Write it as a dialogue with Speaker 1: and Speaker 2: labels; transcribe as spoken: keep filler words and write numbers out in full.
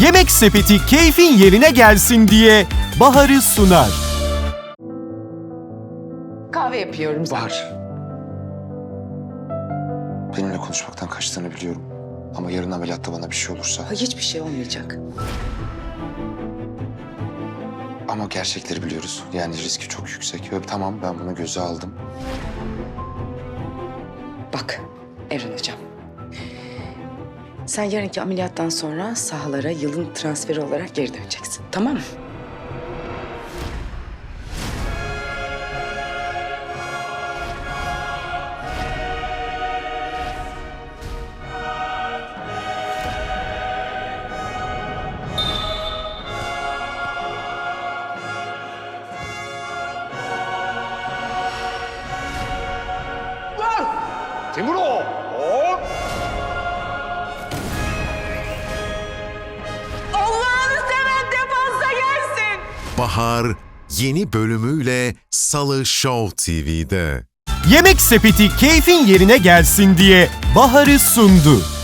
Speaker 1: Yemek Sepeti keyfin yerine gelsin diye Bahar'ı sunar.
Speaker 2: Kahve yapıyorum.
Speaker 3: Bahar. Benimle konuşmaktan kaçtığını biliyorum. Ama yarın ameliyatta bana bir şey olursa...
Speaker 2: Ha, hiçbir şey olmayacak.
Speaker 3: Ama gerçekleri biliyoruz. Yani riski çok yüksek. Ve tamam, ben bunu göze aldım.
Speaker 2: Bak Evren Hocam. Sen yarınki ameliyattan sonra sahalara yılın transferi olarak geri döneceksin. Tamam mı?
Speaker 4: Timur o. Hop.
Speaker 2: Allah'ını seven defansa gelsin.
Speaker 5: Bahar yeni bölümüyle Salı Show T V'de.
Speaker 1: Yemek Sepeti keyfin yerine gelsin diye Bahar'ı sundu.